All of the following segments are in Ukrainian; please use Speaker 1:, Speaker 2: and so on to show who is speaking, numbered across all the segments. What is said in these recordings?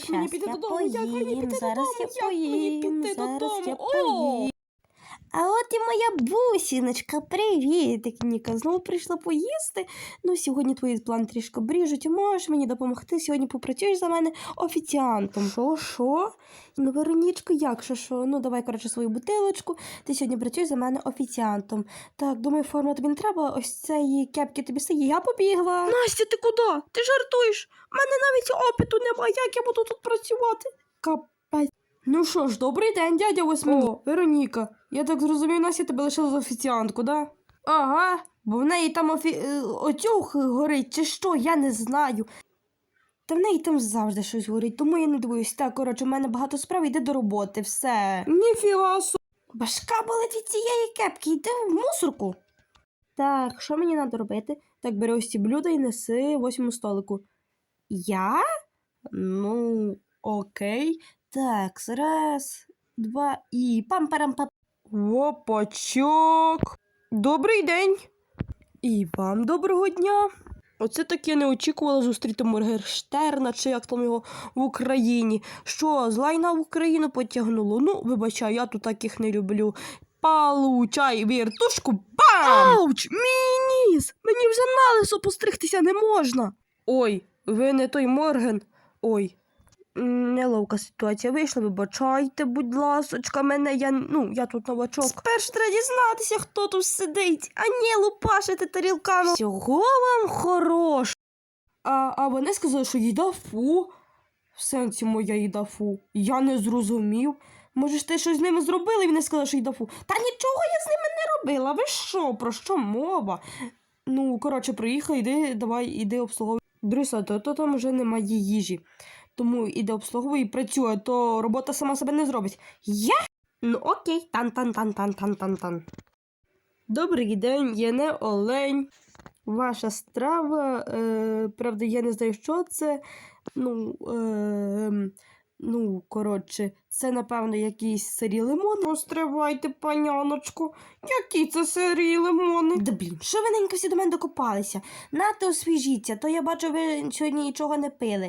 Speaker 1: Як мені піти додому? Як мені піти додому?
Speaker 2: Зараз я
Speaker 1: Як мені
Speaker 2: поїм,
Speaker 1: піти
Speaker 2: зараз
Speaker 1: додому?
Speaker 2: я
Speaker 1: О!
Speaker 2: поїм. А от і моя бусіночка, привіт, Ніка, знову прийшла поїсти. Ну, сьогодні твої плани трішки бріжуть, можеш мені допомогти, сьогодні попрацюєш за мене офіціантом. Що? Ну, Веронічко, як, що? Ну, давай, коротше, свою бутилочку, ти сьогодні працюєш за мене офіціантом. Так, думаю, форма тобі не треба, ось цієї кепки тобі стає, я побігла.
Speaker 1: Настя, ти куди? Ти жартуєш? У мене навіть опиту немає, як я буду тут працювати? Капець. Ну що ж, добрий день, дядя Восьмин. О, Вероніка, я так зрозумів, Настя тебе лишила за офіціантку, да? Ага, бо в неї там отюг горить, чи що, я не знаю. Та в неї там завжди щось горить, тому я не дивуюсь. Так, коротше, у мене багато справ, йди до роботи, все. Ніфіга собі. Башка болить від цієї кепки, йди в мусорку. Так, що мені треба робити? Так, бери ось ці блюда і неси 8 столику. Я? Ну, окей. Так, раз, два і пам-парам-пам. Опачок. Добрий день. І вам доброго дня. Оце так я не очікувала зустріти Моргенштерна, чи як там його в Україні. Що, з лайна в Україну потягнуло? Ну, вибачай, я тут таких не люблю. Получай віртушку, бам! Ауч, мій ніс! Мені вже на лисо постригтися не можна. Ой, ви не той Морген. Ой. Неловка ситуація вийшла, вибачайте, будь ласочка, я тут новачок. Спершу треба дізнатися, хто тут сидить, а не лупашити тарілками. Всього вам хорош. А вони сказали, що їда фу. В сенсі моя їда фу. Я не зрозумів. Може ж ти щось з ними зробили, і вони сказали, що їда фу. Та нічого я з ними не робила, ви що, про що мова? Ну, коротше, приїхав, іди обслуговуй. Друзі, то там вже немає їжі. Тому іде обслуговує і працює, то робота сама себе не зробить. Я? Ну окей, тан-тан-тан-тан-тан-тан-тан. Добрий день, я не олень. Ваша страва, правда, я не знаю, що це. Коротше, це, напевно, якісь сирі лимони. Постривайте, паняночку, які це сирі лимони? Да блін, що ви ненько всі до мене докопалися? Нате освіжіться, то я бачу, ви сьогодні нічого не пили.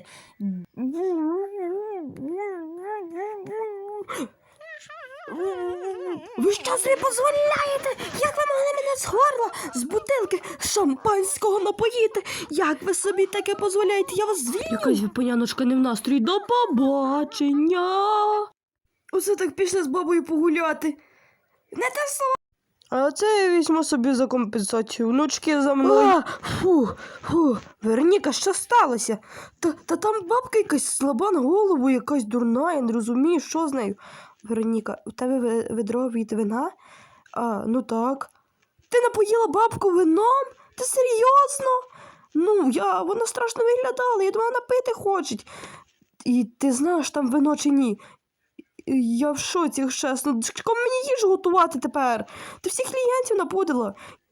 Speaker 1: Ви що собі дозволяєте? Як ви могли мене з горла, з бутилки шампанського напоїти? Як ви собі таке дозволяєте? Я вас звільню. Якась ви, паняночка, не в настрої. До побачення. Оце так пішли з бабою погуляти. Не те слово. А це я візьму собі за компенсацію. Внучки за мною. Вероніка, що сталося? Та там бабка якась слаба на голову, якась дурна, я не розумію, що з нею. Вероніка, у тебе ведро від вина? Ну так. Ти напоїла бабку вином? Ти серйозно? Вона страшно виглядала, я думала, напити хочуть. І ти знаєш, там вино чи ні? Я в шоці, чесно. Кому мені їжу готувати тепер? Ти всіх клієнтів напудила.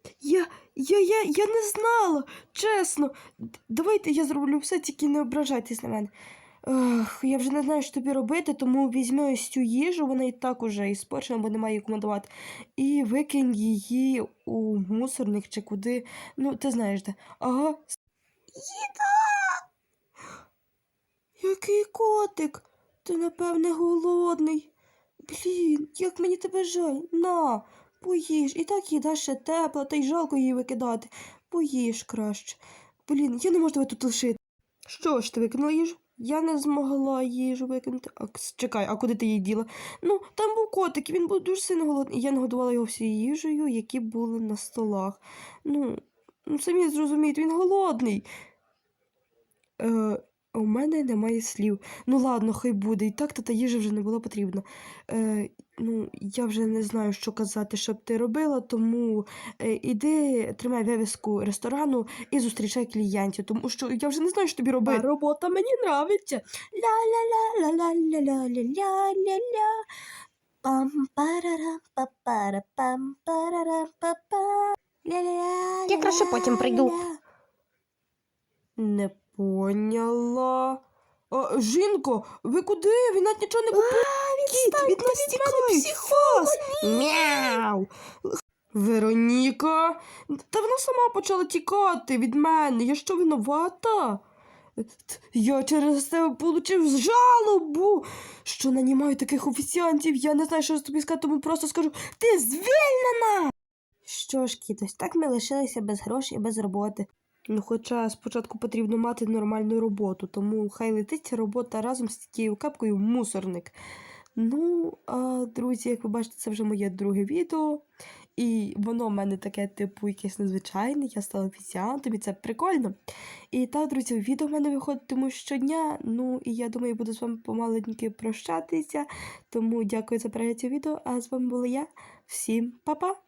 Speaker 1: Я не знала, чесно. Давайте я зроблю все, тільки не ображайтесь на мене. Я вже не знаю, що тобі робити, тому візьми ось цю їжу, вона і так уже іспорчена, бо немає її командувати, і викинь її у мусорник чи куди. Ну, ти знаєш де. Ага. Їда! Який котик? Ти, напевне, голодний. Блін, як мені тебе жаль. На, поїж. І так їда ще тепла, та й жалко її викидати. Поїж краще. Блін, я не можу тебе тут лишити. Що ж, ти викинула їжу? Я не змогла їжу викинути. Чекай, а куди ти її діла? Там був котик, і він був дуже сильно голодний. І я нагодувала його всією їжею, які були на столах. Самі зрозумієте, він голодний. У мене немає слів. Ладно, хай буде. І так та їжа вже не була потрібна. Я вже не знаю, що казати, щоб ти робила, тому іди, тримай вивіску ресторану і зустрічай клієнтів, тому що я вже не знаю, що тобі робити. А робота мені нравиться. Ля-ля-ля-ля-ля-ля-ля-ля-ля-ля. Пам-парара-па-пара-пам-парара-па-па. Ля-ля-ля-ля-ля-ля.
Speaker 2: Я краще потім прийду.
Speaker 1: Не поняла. Жінко, ви куди? Він навіть нічого не купив. Кіт, від нас тікають. Мяу. Вероніка, та вона сама почала тікати від мене. Я що, винувата? Я через тебе получив жалобу, що нанімаю таких офіціантів. Я не знаю, що тобі сказати, тому просто скажу, ти звільнена!
Speaker 2: Що ж, кітось, так ми лишилися без грошей і без роботи.
Speaker 1: Ну, хоча спочатку потрібно мати нормальну роботу, тому хай летить ця робота разом з тією капкою в мусорник. Ну, друзі, як ви бачите, це вже моє друге відео. І воно в мене таке, типу, якесь незвичайне. Я стала офіціантом, і це прикольно. І так, друзі, відео в мене виходитимуть щодня. Ну, і я думаю, буду з вами помаленьки прощатися. Тому дякую за перегляд цього відео. А з вами була я. Всім па-па!